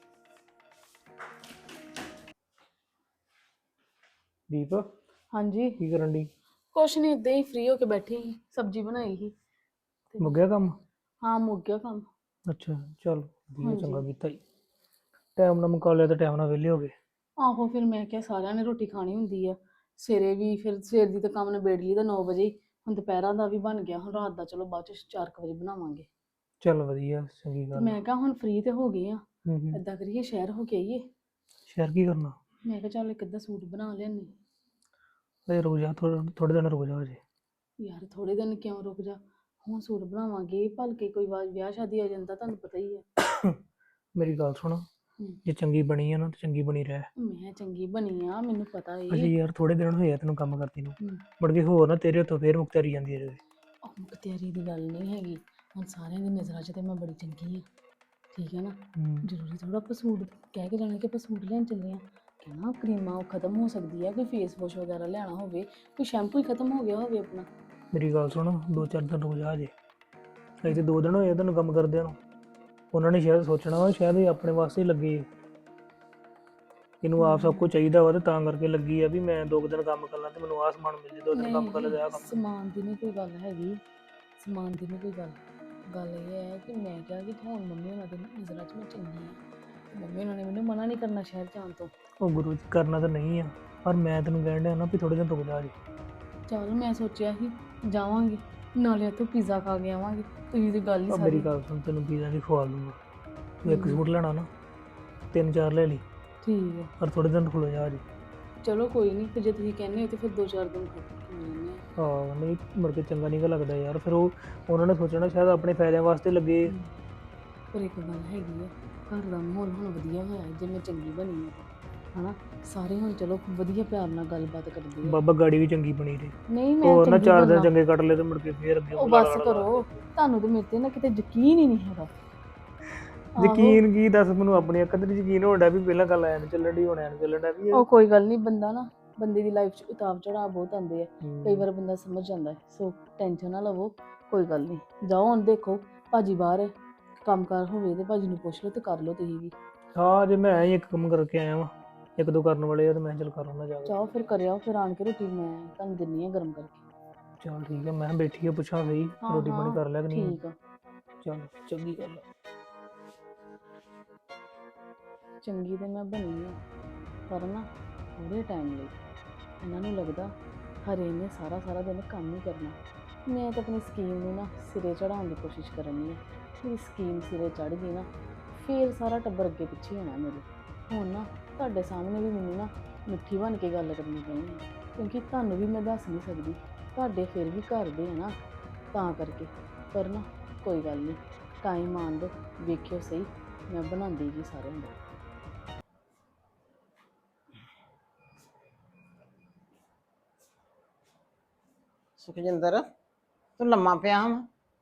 D: ਦੀਪ
E: ਹਾਂਜੀ
D: ਕੀ ਕਰਨ ਦੀ?
E: ਕੁਛ ਨਹੀਂ, ਇੱਦਾਂ ਹੀ ਫ੍ਰੀ ਹੋ ਕੇ ਬੈਠੀ ਸੀ, ਸਬਜ਼ੀ ਬਣਾਈ ਸੀ। ਤੇ
D: ਮੁੱਕ ਗਿਆ ਕੰਮ?
E: ਹਾਂ ਮੁੱਕ ਗਿਆ ਕੰਮ।
D: ਅੱਛਾ ਚੱਲ ਵਧੀਆ,
E: ਹਾਂਜੀ।
D: ਚੰਗਾ ਕੀਤਾ ਜੀ, ਟਾਈਮ ਨਾਲ ਮੁਕਾ ਲਿਆ ਤੇ ਟਾਈਮ ਨਾਲ ਵਿਹਲੇ ਹੋ ਗਏ।
E: ਆਹੋ ਫਿਰ ਮੈਂ ਕਿਹਾ ਸਾਰਿਆਂ ਨੇ ਰੋਟੀ ਖਾਣੀ ਹੁੰਦੀ ਆ, ਸਵੇਰੇ ਵੀ ਫਿਰ ਸਵੇਰ ਦੀ ਤਾਂ ਕੰਮ ਨਿਬੇੜ ਲਈ ਤਾਂ ਨੌ ਵਜੇ, ਹੁਣ ਦੁਪਹਿਰਾਂ ਦਾ ਵੀ ਬਣ ਗਿਆ, ਹੁਣ ਰਾਤ ਦਾ ਚਲੋ ਬਾਅਦ ਚ ਚਾਰ ਕੁ ਵਜੇ ਬਣਾਵਾਂਗੇ।
D: ਚੱਲ ਵਧੀਆ, ਚੰਗੀ
E: ਤੇ
D: ਗੱਲ।
E: ਮੈਂ ਕਿਹਾ ਹੁਣ ਫ੍ਰੀ ਤੇ ਹੋ ਗਏ ਆ,
D: ਹੂੰ ਹੂੰ।
E: ਏਦਾਂ ਕਰੀਏ ਸ਼ਹਿਰ ਹੋ ਕੇ ਆਈਏ।
D: ਸ਼ਹਿਰ ਕੀ ਕਰਨਾ?
E: ਮੈਂ ਕਿਹਾ ਚੱਲ ਇੱਕ ਅੱਧਾ ਸੂਟ ਬਣਾ ਲਿਆਨੀ।
D: ਅਜੇ ਰੁਕ ਜਾ, ਥੋੜੇ ਥੋੜੇ ਦਿਨ ਰੁਕ ਜਾ ਅਜੇ।
E: ਯਾਰ ਥੋੜੇ ਦਿਨ ਕਿਉਂ ਰੁਕ ਜਾ, ਹੁਣ ਸੂਟ ਬਣਾਵਾਂਗੇ, ਭਲਕੇ ਕੋਈ ਵਾ- ਵਿਆਹ ਸ਼ਾਦੀ ਆ ਜਾਂਦਾ, ਤੁਹਾਨੂੰ ਪਤਾ ਹੀ ਆ।
D: ਮੇਰੀ ਗੱਲ ਸੁਣ, ਜੇ ਚੰਗੀ ਬਣੀ ਆ ਨਾ ਤੇ ਚੰਗੀ ਬਣੀ ਰਹਿ।
E: ਮੈਂ ਚੰਗੀ ਬਣੀ ਆ, ਮੈਨੂੰ ਪਤਾ ਏ।
D: ਅਜੇ ਯਾਰ ਥੋੜੇ ਦਿਨ ਹੋਏ ਆ ਤੈਨੂੰ ਕੰਮ ਕਰਦੀ ਨੂੰ,
E: ਹੂੰ।
D: ਮੁੜ ਕੇ ਹੋਰ ਨਾ ਤੇਰੇ ਹੱਥੋਂ ਫੇਰ ਮੁਕਤਰੀ ਜਾਂਦੀ ਹੈ।
E: ਉਹ ਮੁਖਤਿਆਰੀ ਦੀ ਗੱਲ ਨਹੀਂ ਹੈਗੀ, ਹੁਣ ਸਾਰਿਆਂ ਦੀ ਨਜ਼ਰਾਂ 'ਚ ਤੇ ਮੈਂ ਬੜੀ ਚੰਗੀ ਆ, ਠੀਕ ਹੈ ਨਾ।
D: ਹੂੰ।
E: ਜ਼ਰੂਰੀ ਥੋੜਾ ਆਪਾਂ ਸੂਟ ਕਹਿ ਕੇ ਜਾਣਾ ਕਿ ਆਪਾਂ ਸੂਟ ਲੈਣ ਚੱਲੇ ਆ। ਕਹਿਣਾ ਕਰੀਮਾਂ ਖਤਮ ਹੋ ਸਕਦੀ ਹੈ, ਕੋਈ ਫੇਸ ਵਾਸ਼ ਵਗੈਰਾ ਲੈਣਾ ਹੋਵੇ, ਕੋਈ ਸ਼ੈਂਪੂ ਹੀ ਖਤਮ ਹੋ ਗਿਆ ਹੋਵੇ ਆਪਣਾ।
D: ਮੇਰੀ ਗੱਲ ਸੁਣ, ਦੋ ਚਾਰ ਦਿਨ ਰੁਕ ਜਾ ਜੇ। ਅਜੇ ਤੇ ਦੋ ਦਿਨ ਹੋਏ ਆ ਤੈਨੂੰ ਕੰਮ ਕਰਦਿਆਂ ਨੂੰ। ਉਹਨਾਂ ਨੇ ਸ਼ਾਇਦ ਸੋਚਣਾ ਵਾ ਸ਼ਾਇਦ ਇਹ ਆਪਣੇ ਵਾਸਤੇ ਹੀ ਲੱਗੀ ਹੈ, ਇਹਨੂੰ ਆਪ ਸਭ ਕੁਝ ਚਾਹੀਦਾ ਵਾ ਤੇ ਤਾਂ ਕਰਕੇ ਲੱਗੀ ਆ ਵੀ ਮੈਂ ਦੋ ਕੁ ਦਿਨ ਕੰਮ ਕਰ ਲਾਂ ਤੇ ਮੈਨੂੰ ਆਹ ਸਮਾਨ ਮਿਲ ਜੇ, ਦੋ ਦਿਨ ਕੰਮ ਕਰ ਲੈ ਤੇ ਆਹ ਕੰਮ।
E: ਸਮਾਨ ਦੀ ਨਹੀਂ ਕੋਈ ਗੱਲ ਹੈਗੀ, ਸਮਾਨ ਦੀ ਨਹੀਂ ਕੋਈ ਗੱਲ। ਗੱਲ ਇਹ ਹੈ ਕਿ ਮੈਂ ਕਿਹਾ ਕਿ ਹੁਣ ਮੰਮੀ ਉਹਨਾਂ ਦੇ ਨਜ਼ਰਾਂ 'ਚ ਮੈਂ ਚੰਗੀ ਹਾਂ, ਮੰਮੀ ਉਹਨਾਂ ਨੇ ਮੈਨੂੰ ਮਨਾ ਨਹੀਂ ਕਰਨਾ ਸ਼ਹਿਰ ਜਾਣ ਤੋਂ।
D: ਉਹ ਗੁਰੂ ਜੀ ਕਰਨਾ ਤਾਂ ਨਹੀਂ ਆ, ਪਰ ਮੈਂ ਤੈਨੂੰ ਕਹਿਣ ਡਿਆ ਨਾ ਵੀ ਥੋੜੇ ਦਿਨ ਰੁਕ ਜਾ ਜੇ।
E: ਚਲ ਮੈਂ ਸੋਚਿਆ ਸੀ ਜਾਵਾਂਗੇ ਨਾਲੇ ਇੱਥੋਂ ਪੀਜ਼ਾ ਖਾ ਕੇ ਆਵਾਂਗੇ, ਤੁਸੀਂ ਤੇ ਗੱਲ ਹੀ
D: ਆ
E: ਸਾਰੀ।
D: ਮੇਰੀ ਗੱਲ ਸੁਣ, ਤੈਨੂੰ ਪੀਜ਼ਾ ਦੀ ਖਵਾ ਦੂੰਗਾ। ਤੂੰ ਇੱਕ ਸੂਟ ਲੈਣਾ ਨਾ, ਤਿੰਨ ਚਾਰ ਲੈ ਲਈ,
E: ਠੀਕ ਹੈ
D: ਪਰ ਥੋੜੇ ਦਿਨ ਰੁਕ ਜਾ ਜੇ।
E: ਚਲੋ ਕੋਈ ਨਹੀਂ, ਫਿਰ ਜੇ ਤੁਸੀਂ ਕਹਿੰਦੇ ਹੋ ਤਾਂ ਫਿਰ ਦੋ ਚਾਰ ਦਿਨ ਖਾ ਲੈਂਦੇ ਹਾਂ।
D: ਹਾਂ ਨਹੀਂ ਮੁੜ ਕੇ ਚੰਗਾ ਨਹੀਂ ਗਾ ਲੱਗਦਾ ਯਾਰ, ਫਿਰ ਉਹ ਉਹਨਾਂ ਨੇ ਸੋਚਣਾ ਸ਼ਾਇਦ ਆਪਣੇ ਫਾਇਦਿਆਂ ਵਾਸਤੇ ਲੱਗੇ।
E: ਪਰ ਇੱਕ ਗੱਲ ਹੈਗੀ ਹੈ, ਘਰ ਦਾ ਮਾਹੌਲ ਹੁਣ ਵਧੀਆ ਹੋਇਆ ਜੇ ਮੈਂ ਚੰਗੀ ਬਣੀ ਹਾਂ ਹਨਾ। ਸਾਰੇ ਹੁਣ ਚਲੋ ਵਧੀਆ ਪਿਆਰ ਨਾਲ ਗੱਲਬਾਤ ਕਰਦੇ ਆ।
D: ਬਾਬਾ ਗਾੜੀ ਵੀ ਚੰਗੀ ਬਣੀ ਰਹੀ,
E: ਨਹੀਂ ਮੈਂ
D: ਹੋਰ ਨਾ
E: ਚੰਗੀ
D: ਚਾਰ ਦਿਨ
E: ਬਣਨਾ।
D: ਚੰਗੇ ਕੱਟ ਲਏ ਤੇ ਮੁੜ ਕੇ ਫੇਰ ਅੱਗੇ
E: ਉਹ
D: ਬੁਲਾ
E: ਬਸ
D: ਲਾ ਲਾ।
E: ਕਰੋ, ਤੁਹਾਨੂੰ ਤੇ ਮੇਰੇ ਤੇ ਨਾ ਕਿਤੇ ਯਕੀਨ ਹੀ ਨਹੀਂ ਹੈਗਾ।
D: ਯਕੀਨ ਕੀ ਦੱਸ, ਮੈਨੂੰ ਆਪਣੀ ਅੱਖਾਂ ਤੇ ਨੀ ਯਕੀਨ ਹੋਣ ਡਿਆ ਵੀ ਪਹਿਲਾਂ ਗੱਲ ਐਨ ਚੱਲਣ ਡਈ ਹੁਣ ਐਨ ਚੱਲਣ ਡਿਆ ਵੀ ਇਹ।
E: ਉਹ ਕੋਈ ਗੱਲ ਨਹੀਂ, ਬੰਦਾ ਨਾ ਬੰਦੇ ਦੀ ਲਾਈਫ 'ਚ ਉਤਾਰ ਚੜਾਅ ਬਹੁਤ ਆਉਂਦੇ ਆ,
D: ਹੂੰ।
E: ਕਈ ਵਾਰ ਬੰਦਾ ਸਮਝ ਜਾਂਦਾ ਹੈ। ਸੋ ਟੈਨਸ਼ਨ ਨਾ ਲਵੋ, ਕੋਈ ਗੱਲ ਨਹੀਂ। ਜਾਓ ਹੁਣ ਦੇਖੋ ਭਾਜੀ ਬਾਹਰ ਹੈ, ਕੰਮ ਕਾਰ ਹੋਵੇ ਤੇ ਭਾਜੀ ਨੂੰ ਪੁੱਛ ਲਓ ਤੇ ਕਰ ਲਓ ਤੁਸੀਂ ਵੀ।
D: ਹਾਂ ਜੇ ਮੈਂ ਹੀ ਇੱਕ ਕੰਮ ਕਰਕੇ ਆਇਆ ਵਾਂ, ਇੱਕ ਦੋ ਕਰਨ ਵਾਲੇ ਆ ਤੇ ਮੈਂ ਚੱਲ ਕਰ ਆਉਣਾ ਜਾ ਕੇ।
E: ਜਾਓ ਫਿਰ ਕਰਿਓ, ਫਿਰ ਆਣ ਕੇ ਰੋਟੀ ਮੈਂ ਤੁਹਾਨੂੰ ਦਿੰਨੀ ਆ ਗਰਮ ਕਰਕੇ।
D: ਚੱਲ ਠੀਕ ਹੈ, ਮੈਂ ਕਿਹਾ ਬੈਠੀ ਆ ਪੁੱਛਾਂ ਸਹੀ
E: ਹਾਂ
D: ਰੋਟੀ ਪਾਣੀ
E: ਹਾਂ
D: ਕਰ ਲਿਆ ਕਿ ਨਹੀਂ।
E: ਠੀਕ ਆ,
D: ਚੱਲ ਚੰਗੀ ਗੱਲ ਆ।
E: ਚੰਗੀ ਤੇ ਮੈਂ ਬਣੀ ਆ, ਪਰ ਨਾ ਥੋੜੇ ਟਾਈਮ ਲਈ ਇਹਨਾਂ ਨੂੰ ਲੱਗਦਾ ਹਰੇ ਨੇ ਸਾਰਾ ਸਾਰਾ ਦਿਨ ਕੰਮ ਹੀ ਕਰਨਾ। ਮੈਂ ਤਾਂ ਆਪਣੀ ਸਕੀਮ ਨੂੰ ਨਾ ਸਿਰੇ ਚੜਾਉਣ ਦੀ ਕੋਸ਼ਿਸ਼ ਕਰਨੀ ਹੈ। ਮੇਰੀ ਸਕੀਮ ਸਿਰੇ ਚੜ ਗਈ ਨਾ, ਫੇਰ ਸਾਰਾ ਟੱਬਰ ਅੱਗੇ ਪਿੱਛੇ ਹੋਣਾ ਮੇਰੇ। ਹੁਣ ਨਾ ਤੁਹਾਡੇ ਸਾਹਮਣੇ ਵੀ ਮੈਨੂੰ ਨਾ ਮਿੱਠੀ ਬਣ ਕੇ ਗੱਲ ਕਰਨੀ ਪੈਣੀ ਹੈ, ਕਿਉਂਕਿ ਤੁਹਾਨੂੰ ਵੀ ਮੈਂ ਦੱਸ ਨਹੀਂ ਸਕਦੀ, ਤੁਹਾਡੇ ਫਿਰ ਵੀ ਘਰ ਦੇ ਹੈ ਨਾ, ਤਾਂ ਕਰਕੇ। ਪਰ ਨਾ ਕੋਈ ਗੱਲ ਨਹੀਂ, ਟਾਈਮ ਆਉਣ ਦਿਓ, ਵੇਖਿਓ ਸਹੀ ਮੈਂ ਬਣਾਉਂਦੀ ਜੀ ਸਾਰਿਆਂ ਦਾ।
C: ਸੁਖਜਿੰਦਰ ਤੂੰ ਲੰਮਾ ਪਿਆ ਵਾ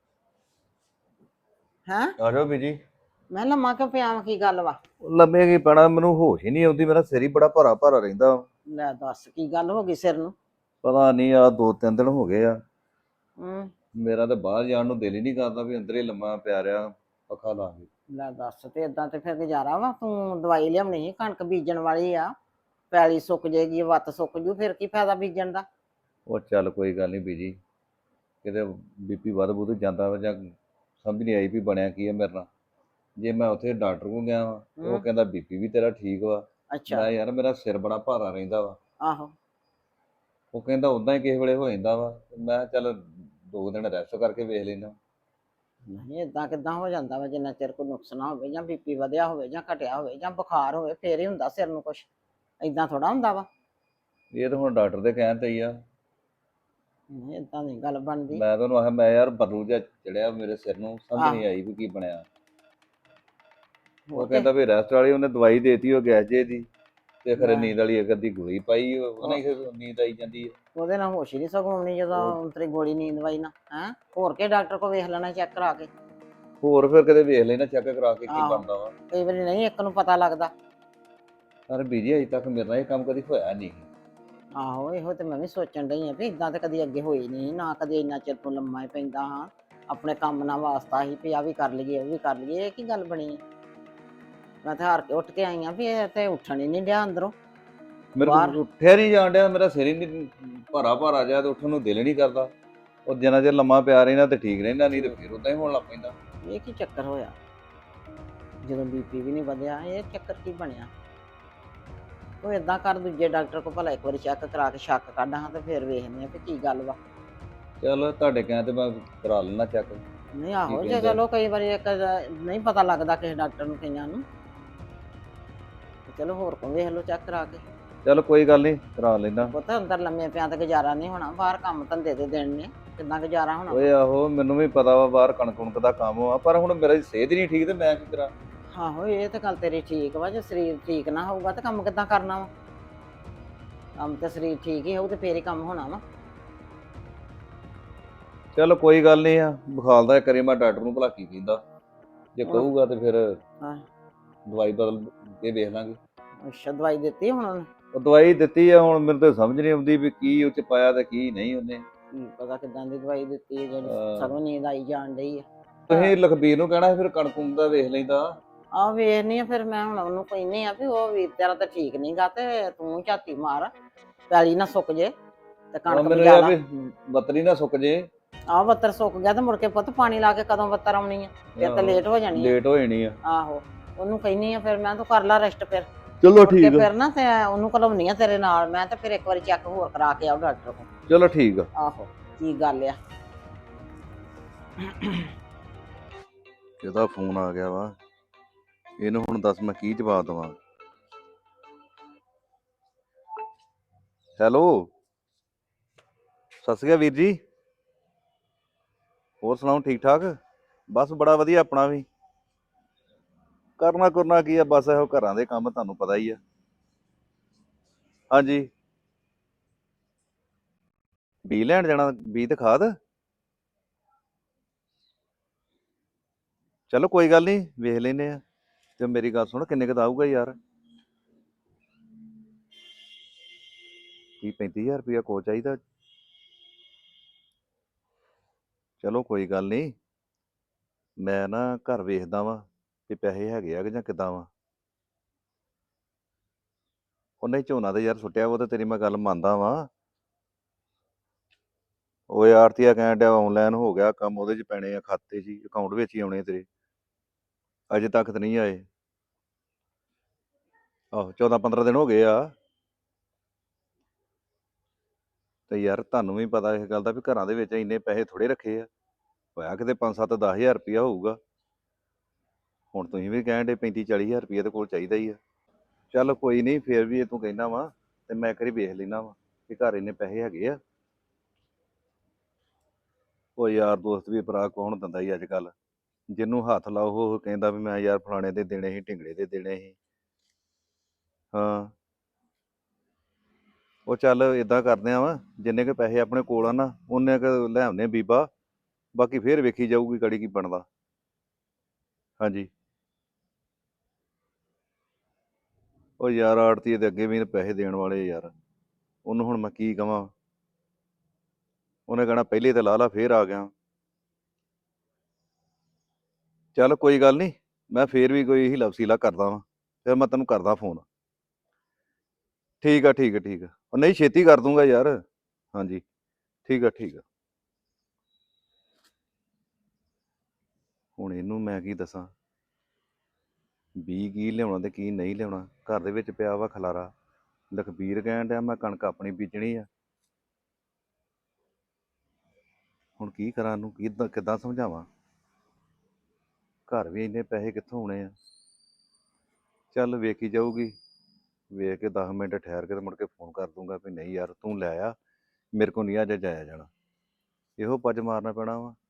C: ਹੈਂ?
F: ਆ ਜਾਓ ਬੀਜੀ।
C: ਮੈਂ ਲੰਮਾ ਕਿਉਂ ਪਿਆ ਵਾ, ਕੀ ਗੱਲ ਵਾ?
F: ਲੰਮੇ ਕੀ ਪੈਣਾ, ਮੈਨੂੰ ਹੋਸ਼ ਹੀ ਨਹੀਂ ਆਉਂਦੀ, ਮੇਰਾ ਸਿਰ ਹੀ ਬੜਾ ਭਾਰਾ ਭਾਰਾ ਰਹਿੰਦਾ।
C: ਲੈ ਦੱਸ ਕੀ ਗੱਲ ਹੋ ਗਈ ਸਿਰ ਨੂੰ?
F: ਪਤਾ ਨਹੀਂ ਆ ਦੋ ਤਿੰਨ ਦਿਨ ਹੋ ਗਏ ਆ,
C: ਹੂੰ।
F: ਮੇਰਾ ਤਾਂ ਬਾਹਰ ਜਾਣ ਨੂੰ ਦਿਲ ਹੀ ਨਹੀਂ ਕਰਦਾ ਵੀ ਅੰਦਰ ਹੀ ਲੰਮਾ ਪਿਆ ਰਿਹਾ ਪੱਖਾ ਲਾ ਕੇ।
C: ਲੈ ਦੱਸ, ਤੇ ਇਦਾਂ ਤੇ ਫਿਰ ਗੁਜ਼ਾਰਾ ਵਾ? ਤੂੰ ਦਵਾਈ ਲਿਆਉਣੀ ਸੀ, ਕਣਕ ਬੀਜਣ ਵਾਲੀ ਆ, ਪੈਲੀ ਸੁੱਕ ਜਾਏਗੀ, ਵੱਤ ਸੁੱਕ ਜੂ, ਫਿਰ ਕੀ ਫਾਇਦਾ ਬੀਜਣ ਦਾ?
F: ਉਹ ਚੱਲ ਕੋਈ ਗੱਲ ਨਹੀਂ ਬੀਜੀ, ਕਿਤੇ ਬੀਪੀ ਵੱਧ ਬੁੱਧ ਜਾਂਦਾ ਵਾ ਜਾਂ ਸਮਝ ਨਹੀਂ ਆਈ ਵੀ ਬਣਿਆ ਕੀ ਹੈ ਮੇਰੇ ਨਾਲ। ਜੇ ਮੈਂ ਉੱਥੇ ਡਾਕਟਰ ਕੋਲ ਗਿਆ ਵਾ, ਉਹ
C: ਹੂੰ।
F: ਕਹਿੰਦਾ ਬੀਪੀ ਵੀ ਤੇਰਾ ਠੀਕ ਵਾ।
C: ਅੱਛਾ।
F: ਮੈਂ ਯਾਰ ਮੇਰਾ ਸਿਰ ਬੜਾ ਭਾਰਾ ਰਹਿੰਦਾ ਵਾ।
C: ਆਹੋ।
F: ਉਹ ਕਹਿੰਦਾ ਉਦਾਂ ਹੀ ਕਿਸੇ ਵੇਲੇ ਹੋ ਜਾਂਦਾ ਵਾ। ਮੈਂ ਕਿਹਾ ਚੱਲ ਦੋ ਦਿਨ ਰੈਸਟ ਕਰਕੇ ਵੇਖ ਲੈਣਾ।
C: ਨਹੀਂ ਇਦਾਂ ਕਿੱਦਾਂ ਹੋ ਜਾਂਦਾ ਵਾ? ਜਿੰਨਾ ਚਿਰ ਕੋਈ ਨੁਕਸ ਨਾ ਹੋਵੇ, ਜਾਂ ਬੀਪੀ ਵਧਿਆ ਹੋਵੇ, ਜਾਂ ਘਟਿਆ ਹੋਵੇ, ਜਾਂ ਬੁਖਾਰ ਹੋਵੇ, ਫੇਰ ਹੀ ਹੁੰਦਾ ਸਿਰ ਨੂੰ ਕੁਛ। ਇਦਾਂ ਥੋੜਾ ਹੁੰਦਾ ਵਾ।
F: ਇਹ ਤਾਂ ਹੁਣ ਡਾਕਟਰ ਦੇ ਕਹਿਣ ਤੇ ਹੀ ਆ।
C: ਨਹੀਂ ਇਦਾਂ ਨਹੀਂ ਗੱਲ ਬਣਦੀ।
F: ਮੈਂ ਤੁਹਾਨੂੰ ਆਖਿਆ ਮੈਂ ਯਾਰ ਬਰੂ ਜਿਹਾ ਚੜਿਆ ਮੇਰੇ ਸਿਰ ਨੂੰ, ਸਮਝ ਨਹੀਂ
C: ਆਹੋ।
F: ਆਈ ਵੀ ਕੀ ਬਣਿਆ। ਉਹ
C: ਉਹ ਤੇ-
F: ਕਹਿੰਦਾ ਵੀ ਰੈਸਟ ਵਾਲੀ, ਉਹਨੇ ਦਵਾਈ ਦੇਤੀ ਉਹ ਗੈਸ ਜੇ ਦੀ, ਤੇ ਖਰੇ
C: ਲੈ।
F: ਨੀਂਦ ਵਾਲੀ ਇੱਕ ਅੱਧੀ ਗੋਲੀ ਪਾਈ, ਉਹਨੇ ਫਿਰ ਨੀਂਦ ਆਈ ਜਾਂਦੀ ਹੈ।
C: ਉਹਦੇ ਨਾਲ ਹੋਸ਼ ਹੀ ਨਹੀਂ ਸਗੋਂ ਆਉਣੀ ਜਦੋਂ ਤੇਰੀ ਗੋਲੀ ਨੀਂਦ ਵਾਈ ਨਾ। ਹੈਂ? ਹੋਰ ਕੇ ਡਾਕਟਰ ਕੋਲ ਵੇਖ ਲੈਣਾ ਚੈੱਕ ਕਰਾ ਕੇ।
F: ਹੋਰ ਫਿਰ ਕਦੇ ਵੇਖ ਲੈਣਾ ਚੈੱਕ ਕਰਾ ਕੇ ਕੀ
C: ਆਹੋ।
F: ਬਣਦਾ ਵਾ।
C: ਕਈ ਵਾਰੀ ਨਹੀਂ ਇੱਕ ਨੂੰ ਪਤਾ ਲੱਗਦਾ।
F: ਪਰ ਬੀਜੀ ਅਜੇ ਤੱਕ ਮੇਰੇ ਨਾਲ ਇਹ ਕੰਮ ਕਦੀ ਹੋਇਆ ਨਹੀਂ।
C: ਆਹੋ ਇਹੋ ਤੇ ਮੈਂ ਵੀ ਸੋਚਣ ਡਈ ਆ ਵੀ ਇਦਾਂ ਤੇ ਕਦੀ ਅੱਗੇ ਹੋਈ ਨਹੀਂ ਨਾ, ਕਦੀ ਇੰਨਾ ਚਿਰ ਤੋਂ ਲੰਮਾ ਹੀ ਪੈਂਦਾ ਹਾਂ। ਆਪਣੇ ਕੰਮ ਨਾਲ ਵਾਸਤਾ ਸੀ ਵੀ ਆ ਵੀ ਕਰ ਲਈਏ ਉਹ ਵੀ ਕਰ ਲਈਏ, ਇਹ ਕੀ ਗੱਲ ਬਣੀ ਹੈ? ਮੈਂ ਤਾਂ ਹਾਰ ਕੇ ਉੱਠ ਕੇ ਆਈ ਆ ਵੀ ਇਹ ਤੇ ਉੱਠਣ ਹੀ ਨਹੀਂ ਡਿਆ ਅੰਦਰੋਂ।
F: ਮੇਰੇ
C: ਬਾਹਰ।
F: ਕੋਲ ਉੱਠਿਆ ਨਹੀਂ ਜਾਣ ਡਿਆ, ਮੇਰਾ ਸਿਰ ਹੀ ਨਹੀਂ ਭਾਰਾ ਭਾਰਾ ਜਿਹਾ ਤੇ ਉੱਠਣ ਨੂੰ ਦਿਲ ਨਹੀਂ ਕਰਦਾ। ਉਹ ਜਿੰਨਾ ਚਿਰ ਲੰਮਾ ਪਿਆ ਰਹਿਣਾ ਤੇ ਠੀਕ ਰਹਿੰਦਾ, ਨਹੀਂ ਤੇ ਫਿਰ ਉਦਾਂ ਹੀ ਹੋਣ ਲੱਗ ਪੈਂਦਾ।
C: ਇਹ ਕੀ ਚੱਕਰ ਹੋਇਆ? ਜਦੋਂ ਬੀਪੀ ਵੀ ਨਹੀਂ ਵਧਿਆ, ਇਹ ਚੱਕਰ ਕੀ ਬਣਿਆ? ਉਹ ਇਦਾਂ ਕਰ, ਦੂਜੇ ਡਾਕਟਰ ਕੋਲ ਭਲਾ ਇੱਕ ਵਾਰੀ ਚੈੱਕ ਕਰਾ ਕੇ ਸ਼ੱਕ ਕੱਢ ਹਾਂ ਤੇ ਫਿਰ ਵੇਖਦੇ ਆ ਵੀ ਕੀ ਗੱਲ ਵਾ।
F: ਚਲੋ ਤੁਹਾਡੇ ਕਹਿਣ ਤੇ ਮੈਂ ਕਰਾ ਲੈਣਾ ਚੈੱਕ।
C: ਨਹੀਂ ਆਹੋ
F: ਕੀ
C: ਜੇ
F: ਕਹਿੰਦੇ?
C: ਚਲੋ ਕਈ ਵਾਰੀ ਇੱਕ ਨਹੀਂ ਪਤਾ ਲੱਗਦਾ ਕਿਸੇ ਡਾਕਟਰ ਨੂੰ ਕਈਆਂ ਨੂੰ, ਤੇ ਚਲੋ ਹੋਰ ਕੋਲ ਵੇਖ ਲਓ ਚੈੱਕ ਕਰਾ ਕੇ।
F: ਚਲ ਕੋਈ ਗੱਲ ਨਹੀਂ, ਕਰਾ ਲੈਣਾ।
C: ਪੁੱਤ ਅੰਦਰ ਲੰਮੇ ਪਿਆਂ ਤੇ ਗੁਜ਼ਾਰਾ ਨਹੀਂ ਹੋਣਾ, ਬਾਹਰ ਕੰਮ ਧੰਦੇ ਦੇ ਦਿਨ ਨੇ, ਕਿੱਦਾਂ ਗੁਜ਼ਾਰਾ ਹੋਣਾ?
F: ਓਏ ਆਹੋ ਮੈਨੂੰ ਵੀ ਪਤਾ ਵਾ ਬਾਹਰ ਕਣਕ ਕੁਣਕ ਦਾ ਕੰਮ ਆ, ਪਰ ਹੁਣ ਮੇਰੀ ਸਿਹਤ ਹੀ ਨਹੀਂ ਠੀਕ ਤੇ ਮੈਂ ਕੀ ਕਰਾਂ।
C: ਆਹੋ ਇਹ ਤਾਂ ਗੱਲ ਤੇਰੀ ਠੀਕ ਵਾ, ਜੇ ਸਰੀਰ ਠੀਕ ਨਾ ਹੋਊਗਾ ਤਾਂ ਕੰਮ ਕਿੱਦਾਂ ਕਰਨਾ ਵਾ? ਕੰਮ ਤੇ ਸਰੀਰ ਠੀਕ ਹੀ ਹੋਊ ਤੇ ਫੇਰ ਹੀ ਕੰਮ ਹੋਣਾ ਵਾ।
F: ਚਲੋ ਕੋਈ ਗੱਲ ਨਹੀਂ ਆ, ਵਿਖਾਲਦਾ ਇੱਕ ਵਾਰੀ ਮੈਂ ਡਾਕਟਰ ਨੂੰ ਭਲਾ ਕੀ ਕਹਿੰਦਾ। ਜੇ
C: ਹੁਣ-
F: ਕਹੂਗਾ ਤੇ ਫਿਰ
C: ਹਾਂ
F: ਦਵਾਈ ਬਦਲ ਕੇ ਵੇਖ ਲਾਂਗੇ।
C: ਅੱਛਾ ਦਵਾਈ ਦਿੱਤੀ ਹੁਣ ਉਹਨੇ?
F: ਉਹ ਦਵਾਈ ਦਿੱਤੀ ਆ, ਹੁਣ ਮੈਨੂੰ ਤਾਂ ਸਮਝ ਨਹੀਂ ਆਉਂਦੀ ਵੀ ਕੀ ਉਹ ਚ ਪਾਇਆ ਤੇ ਕੀ ਨਹੀਂ ਉਹਨੇ।
C: ਕੀ ਪਤਾ ਕਿਦਾਂ ਦੀ ਦਵਾਈ ਦਿੱਤੀ ਹੈ ਜਿਹੜੀ
F: ਅਹ
C: ਸਗੋਂ ਨੀਂਦ ਆਈ ਜਾਣ ਡਈ ਆ।
F: ਤੁਸੀਂ ਲਖਬੀਰ ਨੂੰ ਕਹਿਣਾ ਸੀ ਫਿਰ ਕਣਕ ਕੁਣਕ ਦਾ ਵੇਖ ਲੈਂਦਾ।
C: ਆ ਵੇਖਨੀ ਆ ਫਿਰ ਮੈਂ ਹੁਣ ਉਹਨੂੰ ਕਹਿੰਨੀ ਆ ਵੀ ਉਹ ਵੀਰ ਤੇਰਾ ਤਾਂ ਠੀਕ ਨੀ ਗਾ ਤੇ ਤੂੰ ਝਾਤੀ ਮਾਰ ਪੈਲੀ ਨਾ ਸੁੱਕ ਜੇ ਤੇ
F: ਉਹ
C: ਕਣਕ
F: ਮੈਨੂੰ
C: ਬਜਾ
F: ਇਹ ਆ
C: ਲਾ।
F: ਵੀ ਬੱਤਰੀ ਨਾ ਸੁੱਕ ਜੇ।
C: ਆਹ ਬੱਤਰ ਸੁੱਕ ਗਿਆ ਤੇ ਮੁੜ ਕੇ ਪੁੱਤ ਪਾਣੀ ਲਾ ਕੇ ਕਦੋਂ ਬੱਤਰ ਆਉਣੀ ਆ? ਫਿਰ ਤਾਂ ਲੇਟ ਹੋ ਜਾਣੀ ਆ।
F: ਲੇਟ ਹੋ ਜਾਣੀ ਆ।
C: ਆਹੋ ਉਹਨੂੰ ਕਹਿੰਨੀ ਆ ਫਿਰ ਮੈਂ ਤੂੰ ਕਰ ਲਾ ਰੈਸਟ ਫਿਰ
F: ਚਲੋ
C: ਮੁੜ ਕੇ
F: ਠੀਕ ਆ।
C: ਫਿਰ ਨਾ ਤੇ ਉਹਨੂੰ ਘਲਾਉਣੀ ਆ ਤੇਰੇ ਨਾਲ ਮੈਂ ਤੇ ਫਿਰ ਇੱਕ ਵਾਰੀ ਚੈੱਕ ਹੋਰ ਕਰਾ ਕੇ ਆਉ ਡਾਕਟਰ ਕੋਲ।
F: ਚਲੋ ਠੀਕ ਆ।
C: ਆਹੋ ਕੀ ਗੱਲ ਆ?
F: ਇਹਦਾ ਫੋਨ ਆ ਗਿਆ ਵਾ, ਇਹਨੂੰ ਹੁਣ ਦੱਸ ਮੈਂ ਕੀ ਜਵਾਬ ਦੇਵਾਂ। ਹੈਲੋ, ਸਤਿ ਸ਼੍ਰੀ ਅਕਾਲ ਵੀਰ ਜੀ। ਹੋਰ ਸੁਣਾਓ ਠੀਕ ਠਾਕ? ਬਸ ਬੜਾ ਵਧੀਆ ਆਪਣਾ ਵੀ। ਕਰਨਾ ਕਰਨਾ ਕੀ ਆ, ਬਸ ਇਹੋ ਘਰਾਂ ਦੇ ਕੰਮ ਤੁਹਾਨੂੰ ਪਤਾ ਹੀ ਆ। ਹਾਂਜੀ ਬੀ ਲੈਣ ਜਾਣਾ, ਬੀ ਤੇ ਖਾਦ। ਚਲੋ ਕੋਈ ਗੱਲ ਨਹੀਂ ਵੇਖ ਲੈਨੇ ਆ। ਤੇ ਮੇਰੀ ਗੱਲ ਸੁਣ, ਕਿੰਨੇ ਕੁ ਦਾ ਆਊਗਾ ਯਾਰ? ਤੀਹ ਪੈਂਤੀ ਹਜ਼ਾਰ ਰੁਪਇਆ ਕੋ ਚਾਹੀਦਾ। ਚਲੋ ਕੋਈ ਗੱਲ ਨਹੀਂ, ਮੈਂ ਨਾ ਘਰ ਵੇਖਦਾ ਵਾਂ ਵੀ ਪੈਸੇ ਹੈਗੇ ਆ ਕਿ ਜਾਂ ਕਿੱਦਾਂ ਵਾ। ਉਹ ਨਹੀਂ ਝੋਨਾ ਤੇ ਯਾਰ ਸੁੱਟਿਆ, ਉਹ ਤੇ ਤੇਰੀ ਮੈਂ ਗੱਲ ਮੰਨਦਾ ਵਾਂ। ਉਹ ਆੜਤੀਆ ਕਹਿਣ ਡਿਆ ਆਨਲਾਈਨ ਹੋ ਗਿਆ ਕੰਮ, ਉਹਦੇ 'ਚ ਪੈਣੇ ਆ ਖਾਤੇ 'ਚ ਹੀ, ਅਕਾਊਂਟ ਵਿੱਚ ਹੀ ਆਉਣੇ ਤੇਰੇ। ਅਜੇ ਤੱਕ ਤਾਂ ਨਹੀਂ ਆਏ। ਆਹੋ ਚੌਦਾਂ ਪੰਦਰਾਂ ਦਿਨ ਹੋ ਗਏ ਆ। ਤੇ ਯਾਰ ਤੁਹਾਨੂੰ ਵੀ ਪਤਾ ਇਸ ਗੱਲ ਦਾ ਵੀ ਘਰਾਂ ਦੇ ਵਿੱਚ ਇੰਨੇ ਪੈਸੇ ਥੋੜੇ ਰੱਖੇ ਆ। ਹੋਇਆ ਕਿਤੇ ਪੰਜ ਸੱਤ ਦਸ ਹਜ਼ਾਰ ਰੁਪਇਆ ਹੋਊਗਾ। ਹੁਣ ਤੁਸੀਂ ਵੀ ਕਹਿਣ ਡੇ ਪੈਂਤੀ ਚਾਲੀ ਹਜ਼ਾਰ ਰੁਪਇਆ ਤੇ ਕੋਲ ਚਾਹੀਦਾ ਹੀ ਆ। ਚੱਲ ਕੋਈ ਨਹੀਂ, ਫੇਰ ਵੀ ਇਹ ਤੂੰ ਕਹਿੰਦਾ ਵਾ ਤੇ ਮੈਂ ਇੱਕ ਵਾਰੀ ਵੇਖ ਲੈਣਾ ਵਾ ਕਿ ਘਰ ਇੰਨੇ ਪੈਸੇ ਹੈਗੇ ਆ। ਉਹ ਯਾਰ ਦੋਸਤ ਵੀ ਭਰਾ ਕੌਣ ਦਿੰਦਾ ਹੀ ਅੱਜ ਕੱਲ। ਜਿਹਨੂੰ ਹੱਥ ਲਾਓ ਉਹ ਕਹਿੰਦਾ ਵੀ ਮੈਂ ਯਾਰ ਫਲਾਣੇ ਦੇ ਦੇਣੇ ਸੀ, ਢਿੰਗੜੇ ਦੇ ਦੇਣੇ ਸੀ। ਹਾਂ ਉਹ ਚੱਲ ਇਦਾਂ ਕਰਦੇ ਆ ਵਾ, ਜਿੰਨੇ ਕੁ ਪੈਸੇ ਆਪਣੇ ਕੋਲ ਆ ਨਾ ਉਹਨੇ ਕੁ ਲੈ ਆਉਂਦੇ ਬੀਬਾ, ਬਾਕੀ ਫੇਰ ਵੇਖੀ ਜਾਊਗੀ ਗਾੜੀ ਕੀ ਬਣਦਾ। ਹਾਂਜੀ ਉਹ ਯਾਰ ਆੜਤੀਏ ਦੇ ਅੱਗੇ ਵੀ ਪੈਸੇ ਦੇਣ ਵਾਲੇ ਯਾਰ, ਉਹਨੂੰ ਹੁਣ ਮੈਂ ਕੀ ਕਵਾਂ। ਉਹਨੇ ਕਹਿਣਾ ਪਹਿਲੇ ਤੇ ਲਾ ਲਾ ਫੇਰ ਆ ਗਿਆ। ਚੱਲ ਕੋਈ ਗੱਲ ਨਹੀਂ, ਮੈਂ ਫੇਰ ਵੀ ਕੋਈ ਹੀਲਾ ਵਸੀਲਾ ਕਰਦਾ ਵਾਂ, ਫਿਰ ਮੈਂ ਤੈਨੂੰ ਕਰਦਾ ਫੋਨ। ਠੀਕ ਆ ਠੀਕ ਆ ਠੀਕ ਆ, ਉਹ ਨਹੀਂ ਛੇਤੀ ਕਰ ਦੂੰਗਾ ਯਾਰ। ਹਾਂਜੀ ਠੀਕ ਆ ਠੀਕ ਆ। ਹੁਣ ਇਹਨੂੰ ਮੈਂ ਕੀ ਦੱਸਾਂ ਵੀ ਕੀ ਲਿਆਉਣਾ ਤੇ ਕੀ ਨਹੀਂ ਲਿਆਉਣਾ। ਘਰ ਦੇ ਵਿੱਚ ਪਿਆ ਵਾ ਖਲਾਰਾ। ਲਖਬੀਰ ਕਹਿਣ ਡਿਆ ਮੈਂ ਕਣਕ ਆਪਣੀ ਬੀਜਣੀ ਆ। ਹੁਣ ਕੀ ਕਰਾਂ, ਇਹਨੂੰ ਕਿੱਦਾਂ ਕਿੱਦਾਂ ਸਮਝਾਵਾਂ। ਘਰ ਵੀ ਇੰਨੇ ਪੈਸੇ ਕਿੱਥੋਂ ਆਉਣੇ ਆ। ਚੱਲ ਵੇਖੀ ਜਾਊਗੀ, ਵੇਖ ਕੇ ਦਸ ਮਿੰਟ ਠਹਿਰ ਕੇ ਤੇ ਮੁੜ ਕੇ ਫੋਨ ਕਰ ਦੂੰਗਾ ਵੀ ਨਹੀਂ ਯਾਰ ਤੂੰ ਲੈ ਆ, ਮੇਰੇ ਕੋਲ ਨਹੀਂ ਅੱਜ ਜਾਇਆ ਜਾਣਾ। ਇਹੋ ਪੱਜ ਮਾਰਨਾ ਪੈਣਾ ਵਾ।